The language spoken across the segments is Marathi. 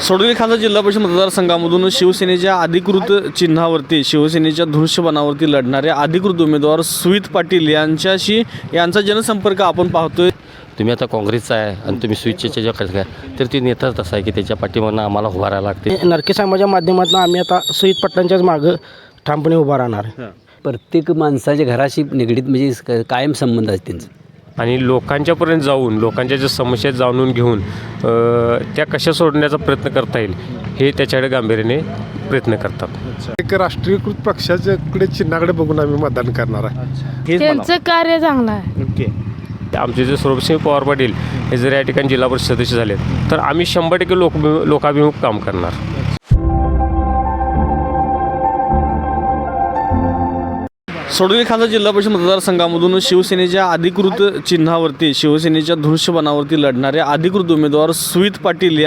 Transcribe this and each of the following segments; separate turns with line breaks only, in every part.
सोडोली खालसा जिल्हा परिषद मतदारसंघामधून शिवसेनेच्या अधिकृत चिन्हावरती शिवसेनेच्या धनुष्यबाणावरती लढणारे अधिकृत उमेदवार सुमित पाटील यांचा जनसंपर्क आपण पाहतोय।
तुम्ही आता काँग्रेसचा आहे आणि तुम्ही स्विचचे जे काय तर ती नेता तसा आहे की त्याच्या पाठीमागून आम्हाला उभा राहायला लागते।
नरके समाजाच्या माध्यमातून आम्ही आता सुमित पाटलांच्याच मागं ठामपणे उभा राहणार।
प्रत्येक माणसाच्या घराशी निगडीत म्हणजे कायम संबंध आहे त्यांचा
आणि लोकांच्यापर्यंत जाऊन लोकांच्या ज्या समस्या जाणून घेऊन त्या कशा सोडण्याचा प्रयत्न करता येईल हे त्याच्याकडे गांभीर्याने प्रयत्न करतात।
एक राष्ट्रीयकृत पक्षाच्याकडे चिन्हाकडे बघून आम्ही मतदान करणार आहे।
त्यांचं कार्य चांगलं आहे।
ओके,
आमचे जे स्वरूपसिंह पवार पाटील हे जर या ठिकाणी जिल्हा परिषद सदस्य झाले तर आम्ही 100% लोकाभिमुख काम करणार।
सोडोली खालसा जिल्हा परिषद मतदारसंघामधून शिवसेनेच्या अधिकृत चिन्हावरती शिवसेनेच्या धनुष्यबाणावरती लढणारे अधिकृत उमेदवार सुमित पाटील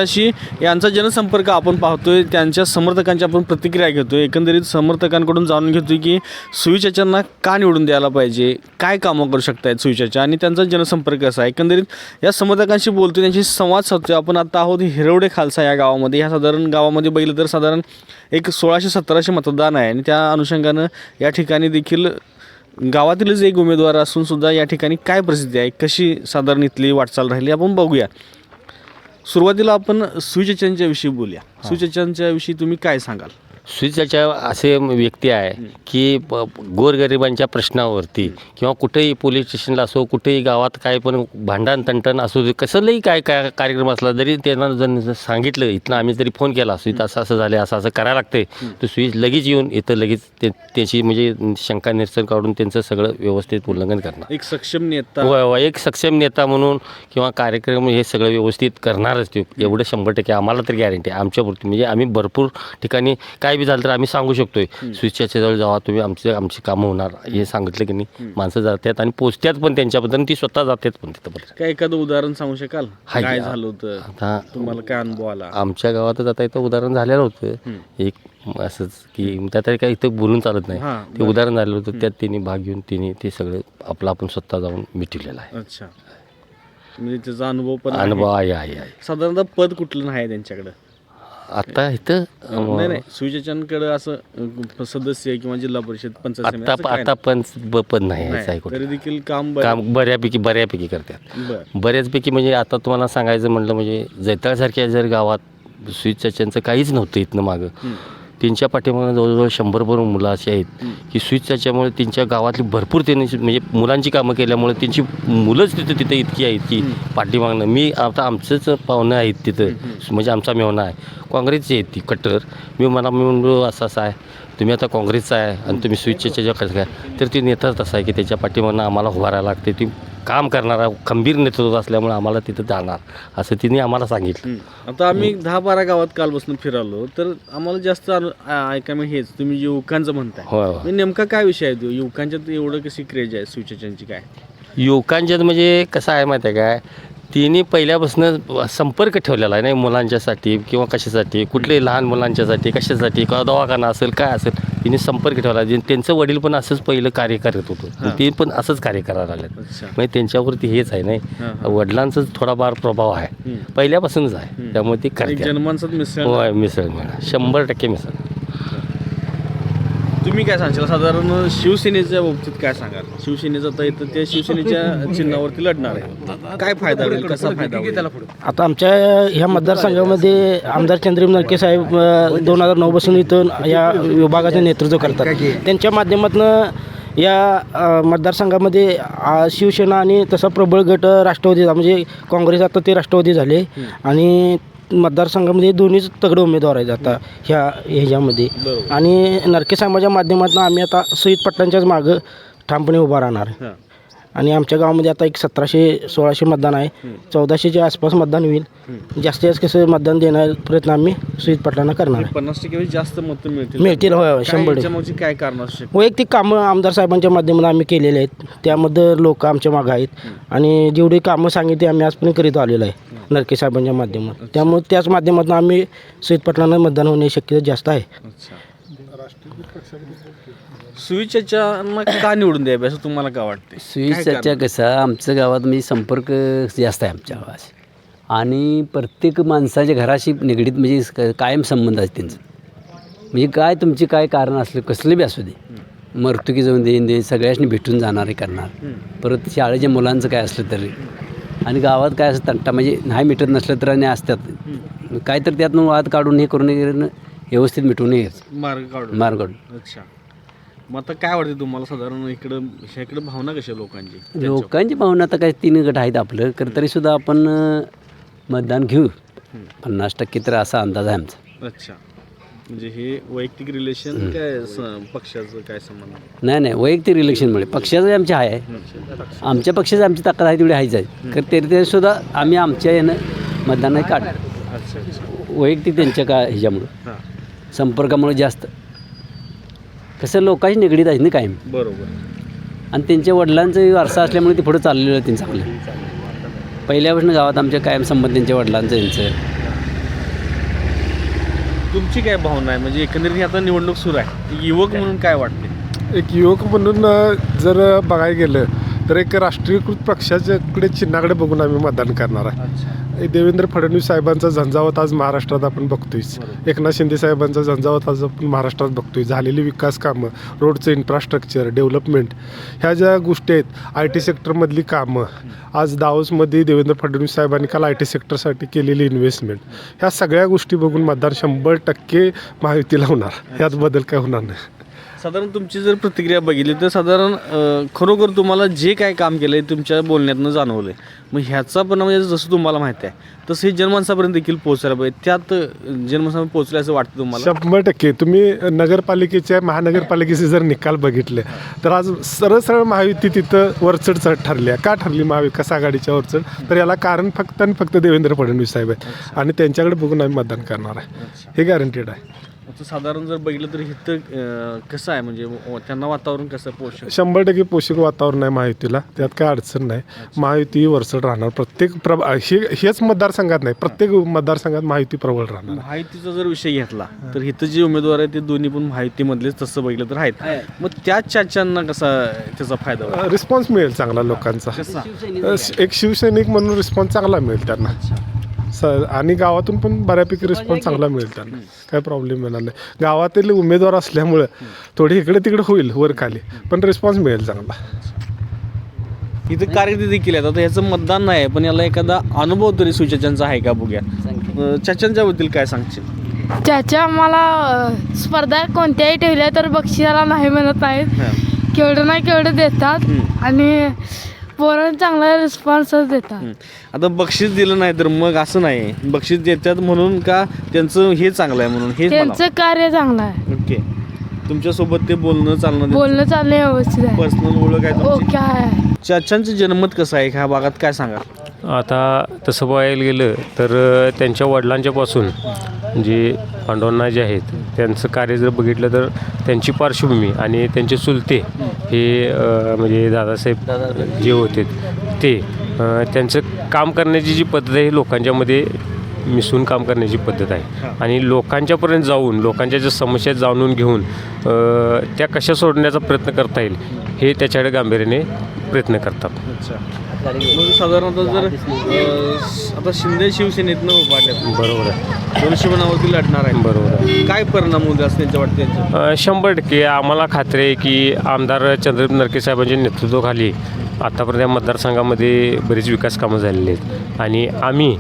यांचा जनसंपर्क आपण पाहतोय। त्यांच्या समर्थकांची आपण प्रतिक्रिया घेतोय। एकंदरीत समर्थकांकडून जाणून घेतोय की सुविचारांना का निवडून द्यायला पाहिजे, काय कामं करू शकतायत सुविचार आणि त्यांचा जनसंपर्क कसा आहे। एकंदरीत या समर्थकांशी बोलतोय, त्यांची संवाद साधतोय। आपण आता आहोत हिरवडे खालसा या गावामध्ये। ह्या साधारण गावामध्ये बघितलं तर साधारण एक 1600-1700 मतदान आहे आणि त्या अनुषंगानं या ठिकाणी देखील गावातीलच एक उमेदवार असून सुद्धा या ठिकाणी काय परिस्थिती आहे, कशी साधारण इथली वाटचाल राहिली आपण बघूया। सुरुवातीला आपण सुविचारांच्या विषयी बोलूया। सुविचारांच्या विषयी तुम्ही काय सांगाल?
स्विचच्या असे व्यक्ती आहे की गोरगरिबांच्या प्रश्नावरती किंवा कुठेही पोलीस स्टेशनला असो, कुठेही गावात काय पण भांडण तंटण असो, कसलंही काय कार्यक्रम असला जरी त्यांना जर सांगितलं, इथनं आम्ही जरी फोन केला स्विच असं असं झालं, असं असं करायला लागते, तर स्विच लगेच येऊन इथं लगेच त्याची म्हणजे शंका निरसन काढून त्यांचं सगळं व्यवस्थित उल्लंघन करणार।
एक सक्षम नेता,
एक सक्षम नेता म्हणून किंवा कार्यक्रम हे सगळं व्यवस्थित करणारच ते, एवढं 100% आम्हाला तर गॅरंटी आहे आमच्यापुरती। म्हणजे आम्ही भरपूर ठिकाणी काय बी झालं तर आम्ही सांगू शकतोय स्विचच्या जवळ जावा तुम्ही, आमची कामं होणार हे सांगितलं की नाही माणसं जातात आणि पोचतात पण त्यांच्याबद्दल, ती स्वतः जातात पण तिथं।
काय एखादं उदाहरण सांगू शकाल काय झालं होतं,
आता
तुम्हाला काय अनुभव आला?
आमच्या गावातच आता इथं उदाहरण झालेलं होतं एक असंच की त्यात काही इथं बोलून चालत नाही, ते उदाहरण झालेलं होतं। त्यात त्यांनी भाग घेऊन ते सगळं आपलं आपण स्वतः जाऊन मिटवलेलं आहे।
अच्छा, म्हणजे त्याचा अनुभव पण
अनुभव आहे।
साधारणतः पद कुठलं नाही त्यांच्याकडं
आता इथं
नाही सुविचारांकडे असं सदस्य किंवा जिल्हा परिषद पंचायत समिती
आता पण पण नाही
तरी देखील काम
बऱ्यापैकी करतात। बऱ्याचपैकी म्हणजे आता तुम्हाला सांगायचं म्हटलं म्हणजे जैताळसारख्या जर गावात स्विचचं काहीच नव्हतं इथनं मागं, त्यांच्या पाठीमागं जवळजवळ 100 मुलं अशी आहेत की स्विचच्यामुळे त्यांच्या गावातली भरपूर त्यांनी म्हणजे मुलांची कामं केल्यामुळे त्यांची मुलंच तिथं इतकी आहेत की पाठीमागणं मी आता आमचंच पाहुणं आहेत तिथं, म्हणजे आमचा मेवणा आहे काँग्रेसची आहेत ती कट्टर। मी म्हणलो असं आहे, तुम्ही आता काँग्रेसचा आहे आणि तुम्ही स्विचचे जे काय तर ती नेता तसा आहे की त्याच्या पाठीमागणं आम्हाला उभा राहायला लागते, ती काम करणारा खंबीर नेतृत्व असल्यामुळे आम्हाला तिथं जाणार असं तिने आम्हाला सांगितलं।
आता आम्ही 10-12 गावात कालपासून फिरालो तर आम्हाला जास्त ऐकायला हेच तुम्ही युवकांचं म्हणताय।
होय
नेमका काय विषय आहे तो युवकांच्यात एवढं कशी क्रेज आहे सुविचारांची? काय
युवकांच्यात म्हणजे कसं आहे माहिती आहे काय, तिने पहिल्यापासून संपर्क ठेवलेला आहे नाही मुलांच्यासाठी किंवा कशासाठी, कुठले लहान मुलांच्यासाठी कशासाठी किंवा दवाखाना असेल काय असेल, तिने संपर्क ठेवला। त्यांचं वडील पण असंच पहिलं कार्य करत होतं, ते पण असंच कार्य करायला लागलं। म्हणजे त्यांच्यावरती हेच आहे नाही, वडिलांचाच थोडाफार प्रभाव आहे पहिल्यापासूनच आहे, त्यामुळे ते करतात
जनमानसात मिसळ
100% मिसळ।
तुम्ही काय सांगशाल साधारण शिवसेनेच्या बाबतीत काय सांगाल? शिवसेनेचं तर इथं ते शिवसेनेच्या चिन्हावरती लढणार आहे, काय फायदा होईल, कसा फायदा होईल?
आता आमच्या ह्या मतदारसंघामध्ये आमदार चंद्रम नरके साहेब 2009 पासून इथून या विभागाचे नेतृत्व करतात। त्यांच्या माध्यमातून या मतदारसंघामध्ये शिवसेना आणि तसा प्रबळ गट राष्ट्रवादी, म्हणजे काँग्रेस आता ते राष्ट्रवादी झाले आणि मतदारसंघामध्ये दोन्हीच तगडे उमेदवार आहेत आता ह्याच्यामध्ये। आणि नरके समाजाच्या माध्यमातून आम्ही आता सुमित पाटलांच्याच मागं ठामपणे उभा राहणार। आणि आमच्या गावामध्ये आता एक 1700-1600 मतदान आहे, 1400च्या आसपास मतदान होईल। जास्तीत जास्त कसं मतदान देण्याचा प्रयत्न आम्ही सुमित पाटलांना करणार आहे।
50% जास्त मतं
मिळतील होय 100%।
काय कारण असू शकतं?
वैयक्तिक कामं आमदार साहेबांच्या माध्यमातून आम्ही केलेले आहेत, त्यामध्ये लोक आमच्या मागं आहेत आणि जेवढी कामं सांगितली आम्ही आजपर्यंत करीत आलेलो आहे नरके साहेबांच्या माध्यमातून, त्यामुळे त्याच माध्यमातून आम्ही सुमित पाटलांना मतदान होण्याची शक्यता जास्त आहे।
सुविचारांना का निवडून द्यावे असं तुम्हाला काय वाटते?
स्विचच्या कसं आमच्या गावात म्हणजे संपर्क जास्त आहे आमच्या गावात, आणि प्रत्येक माणसाच्या घराशी निगडीत म्हणजे कायम संबंध आहे त्यांचं. म्हणजे काय तुमची काय कारण असलं कसलं बी असू दे, मर्तुकी जाऊन देईन दे सगळ्यांनी भेटून जाणारे करणार. परत शाळेच्या मुलांचं काय असलं तरी आणि गावात काय असं तंटा म्हणजे नाही मिटत नसलं तर आणि असतात काय तर त्यातनं वाद काढून हे करून व्यवस्थित मिटवून यायचं
मार्ग काढून.
मार्ग काढून.
अच्छा. मग आता काय वाटते तुम्हाला साधारण इकडं भावना कशा लोकांची?
लोकांची भावना आता काय 3 गट आहेत आपलं तरीसुद्धा आपण मतदान घेऊ 50% तर असा अंदाज आहे आमचा.
अच्छा. म्हणजे हे वैयक्तिक रिलेशन काय पक्षाचं काय संबंध?
नाही वैयक्तिक इलेक्शनमुळे पक्षाचं आमचे आहे आमच्या पक्षाची आमची ताकद आहे तेवढी आहेच आहे तरी सुद्धा आम्ही आमच्या यानं मतदान काढ
अच्छा.
वैयक्तिक त्यांच्या का ह्याच्यामुळं
हां,
संपर्कामुळे जास्त कसं लोकांशी निगडीत आहे ना कायम
बरोबर.
आणि त्यांच्या वडिलांचं वारसा असल्यामुळे ते पुढं चाललेलं आहे त्यांचं चांगलं. पहिल्यापासून गावात आमच्या कायम संबंध त्यांच्या वडिलांचं यांचं.
तुमची काय भावना आहे म्हणजे एकंदरीत ही आता निवडणूक सुरू आहे, युवक म्हणून काय वाटते?
एक युवक म्हणून जर बघायला गेलं तर एक राष्ट्रीयकृत पक्षाच्याकडे चिन्हाकडे बघून आम्ही मतदान करणार आहे.
अच्छा.
देवेंद्र फडणवीस साहेबांचा झंझावत आज महाराष्ट्रात आपण बघतोयच. एकनाथ शिंदे साहेबांचा झंझावत आज आपण महाराष्ट्रात बघतोय. झालेली विकास कामं, रोडचं इन्फ्रास्ट्रक्चर डेव्हलपमेंट, ह्या ज्या गोष्टी आहेत, IT सेक्टरमधली कामं, आज दावोसमध्ये देवेंद्र फडणवीस साहेबांनी काल IT सेक्टरसाठी केलेली इन्व्हेस्टमेंट, ह्या सगळ्या गोष्टी बघून मतदान 100% महायुतीला होणार, ह्यात बदल काय होणार नाही.
साधारण तुमची जर प्रतिक्रिया बघितली तर साधारण खरोखर तुम्हाला जे काय काम केलं आहे तुमच्या बोलण्यातनं जाणवलं आहे, मग ह्याचा पण म्हणजे जसं तुम्हाला माहिती आहे तसं हे जनमानसापर्यंत देखील पोहोचायला पाहिजे. त्यात जनमानसापर्यंत पोहोचलं असं वाटतं तुम्हाला?
100% तुम्ही नगरपालिकेच्या महानगरपालिकेचे जर निकाल बघितले तर आज सरळ महायुती तिथं वरचढ ठरली आहे. का ठरली महाविकास आघाडीच्या वरचढ? तर याला कारण फक्त आणि फक्त देवेंद्र फडणवीस साहेब आहे आणि त्यांच्याकडे बघून आम्ही मतदान करणार आहे, हे गॅरंटेड आहे.
आता साधारण जर बघितलं तर इथं कसं आहे म्हणजे त्यांना वातावरण कसं पोषक?
100% पोषक वातावरण आहे महायुतीला, त्यात काय अडचण नाही. महायुती वरचढ राहणार प्रत्येक हेच मतदारसंघात नाही, प्रत्येक मतदारसंघात महायुती प्रबळ राहणार.
महायुतीचा जर विषय घेतला तर इथं जे उमेदवार आहेत ते दोन्ही पण महायुतीमधलेच तसं बघितलं तर आहेत. मग त्याच चाच्यांना कसा त्याचा फायदा होईल?
रिस्पॉन्स मिळेल चांगला लोकांचा. एक शिवसैनिक म्हणून रिस्पॉन्स चांगला मिळेल त्यांना आणि गावातून पण बऱ्यापैकी रिस्पॉन्स चांगला मिळेल त्यांना, काय प्रॉब्लेम येणार नाही. गावातील उमेदवार असल्यामुळं थोडी इकडे तिकडे होईल वर खाली, पण रिस्पॉन्स मिळेल चांगला.
इथं कार्यकर्ते देखील आहेत. आता ह्याचं मतदान नाही पण याला एखादा अनुभव तरी सुचाच्यांचा आहे का बघूया. चाच्यांच्याबद्दल काय सांगशील?
चाचा आम्हाला स्पर्धा कोणत्याही ठेवल्या तर बक्षिसाला नाही म्हणत नाहीत, केवढं नाही केवढं देतात आणि पोरांना चांगला रिस्पॉन्सच देतात.
आता बक्षीस दिलं नाही तर मग असं नाही, बक्षीस देतात म्हणून का त्यांचं हे चांगलं आहे म्हणून? हे
त्यांचं कार्य चांगलं आहे.
ओके. तुमच्यासोबत ते बोलणं चालणं
चालणं व्यवस्थित आहे,
पर्सनल ओळख आहे तुमची?
ओके आहे.
चाच्यांचं जनमत कसं आहे ह्या भागात काय सांगा?
आता तसं बघायला गेलं तर त्यांच्या वडिलांच्यापासून जे पांडवांना जे आहेत त्यांचं कार्य जर बघितलं तर त्यांची पार्श्वभूमी आणि त्यांचे चुलते हे म्हणजे दादासाहेब जे होते ते त्यांचं काम करण्याची जी पद्धत आहे लोकांच्यामध्ये मिसळून काम करण्याची पद्धत आहे आणि लोकांच्यापर्यंत जाऊन लोकांच्या ज्या समस्या जाणून घेऊन त्या कशा सोडण्याचा प्रयत्न करता येईल हे त्याच्याकडे गांभीर्याने प्रयत्न करतात.
अच्छा. मग साधारणतः जर आता शिंदे शिवसेनेतनं उभारल्यात,
बरोबर आहे,
दोनशे बनावरती लढणार आहे,
बरोबर आहे.
काय परिणाम होईल असं त्यांच्या वाटते?
100% आम्हाला खात्री आहे की आमदार चंद्रकांत नरके साहेबांच्या नेतृत्वाखाली आत्तापर्यंत या मतदारसंघामध्ये बरीच विकास कामं झालेली आहेत आणि आम्ही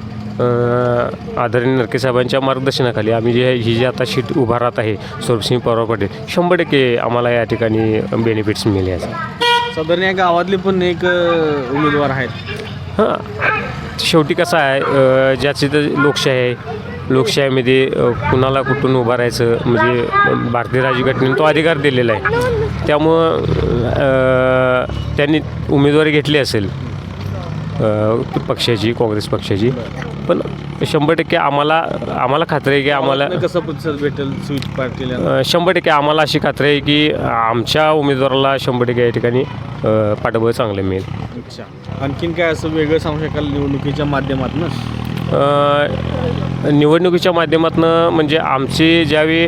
आदरणीय नरके साहेबांच्या मार्गदर्शनाखाली आम्ही ही जी आता शीट उभारत आहे स्वरूपसिंह पवार पाटील 100% आम्हाला या ठिकाणी बेनिफिट्स मिळाले आहेत.
साधारण या गावातले पण एक उमेदवार आहेत.
हां, शेवटी कसं आहे ज्याची तर लोकशाही आहे, लोकशाहीमध्ये कुणाला कुठून उभारायचं म्हणजे भारतीय राज्यघटनेने तो अधिकार दिलेला आहे. त्यामुळं त्यांनी उमेदवारी घेतली असेल पक्षाची, काँग्रेस पक्षाची, पण 100% आम्हाला खात्री आहे की आम्हाला
कसा प्रतिसाद भेटेल स्विच पाटील?
100% आम्हाला अशी खात्री आहे की आमच्या उमेदवाराला 100% या ठिकाणी पाठबळ चांगलं मिळेल.
अच्छा. आणखीन काय असं वेगळं सांगू शकाल निवडणुकीच्या माध्यमातून?
निवडणुकीच्या माध्यमातून म्हणजे आमचे ज्यावेळी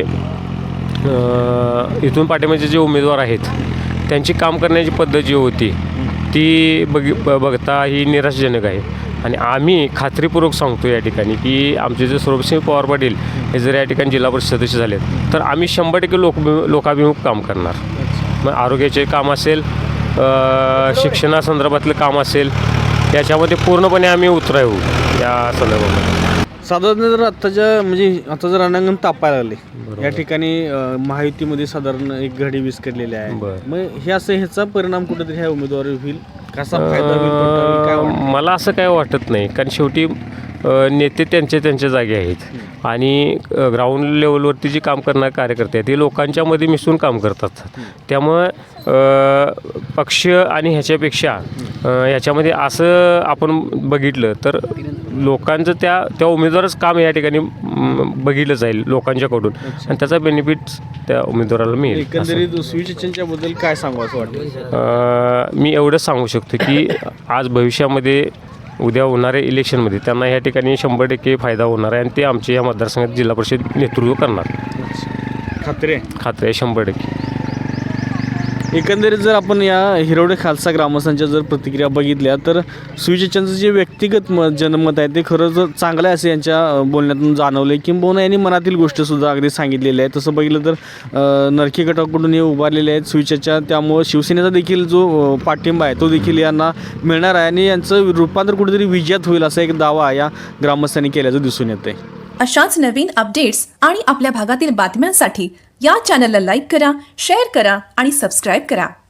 इथून पाठिंबाचे जे उमेदवार आहेत त्यांची काम करण्याची पद्धत जी होती ती बघता ही निराशाजनक आहे. आणि आम्ही खात्रीपूर्वक सांगतो या ठिकाणी की आमचे जे सौरभसिंह पवार पाटील हे जर या ठिकाणी जिल्हा परिषद सदस्य झालेत तर आम्ही 100% लोकाभिमुख काम करणार. मग आरोग्याचे काम असेल, शिक्षणासंदर्भातलं काम असेल, याच्यामध्ये पूर्णपणे आम्ही उतराय होऊ या संदर्भामध्ये.
साधारण जर आता जर रणांगण तापायला लागले या ठिकाणी महायुतीमध्ये साधारण एक घडी विस्कटलेली आहे.
बरं.
मग हे असं ह्याचा परिणाम कुठेतरी ह्या उमेदवारी होईल, कसा फायदा होईल, तोटा होईल, काय वाटतं?
मला असं काय वाटत नाही, कारण शेवटी नेते त्यांच्या जागी आहेत आणि ग्राउंड लेवलवरती जी काम करणारे कार्यकर्ते आहेत ते लोकांच्यामध्ये मिसळून काम करतात. त्यामुळं पक्ष आणि ह्याच्यापेक्षा ह्याच्यामध्ये असं आपण बघितलं तर लोकांचं त्या उमेदवारच काम या ठिकाणी बघितलं जाईल लोकांच्याकडून आणि त्याचा बेनिफिट त्या उमेदवाराला मिळेल.
एकंदरीत सुविचारांच्या बद्दल काय सांगू असं वाटतं?
मी एवढंच सांगू शकतो की आज भविष्यामध्ये उद्या होणाऱ्या इलेक्शनमध्ये त्यांना ह्या ठिकाणी 100% फायदा होणार आहे आणि ते आमचे या मतदारसंघात जिल्हा परिषद नेतृत्व करणार.
खात्री आहे?
खात्री आहे 100%.
एकंदरीत जर आपण या हिरवडे खालसा ग्रामस्थांच्या जर प्रतिक्रिया बघितल्या तर सुविचारांचं जे व्यक्तिगत जनमत आहे ते खरंच चांगलं आहे असं यांच्या बोलण्यातून जाणवलं आहे. किंबहुना यांनी मनातील गोष्टसुद्धा अगदी सांगितलेली आहे. तसं बघितलं तर नरके गटाकडून हे उभारलेले आहेत सुविचारच्या, त्यामुळं शिवसेनेचा देखील जो पाठिंबा आहे तो देखील यांना मिळणार आहे आणि यांचं रूपांतर कुठेतरी विजयात होईल असा एक दावा या ग्रामस्थांनी केल्याचं दिसून येतं आहे.
अशाच नवीन अपडेट्स आणि आपल्या भागातील बातम्यांसाठी या चॅनलला लाईक करा, शेअर करा आणि सबस्क्राईब करा.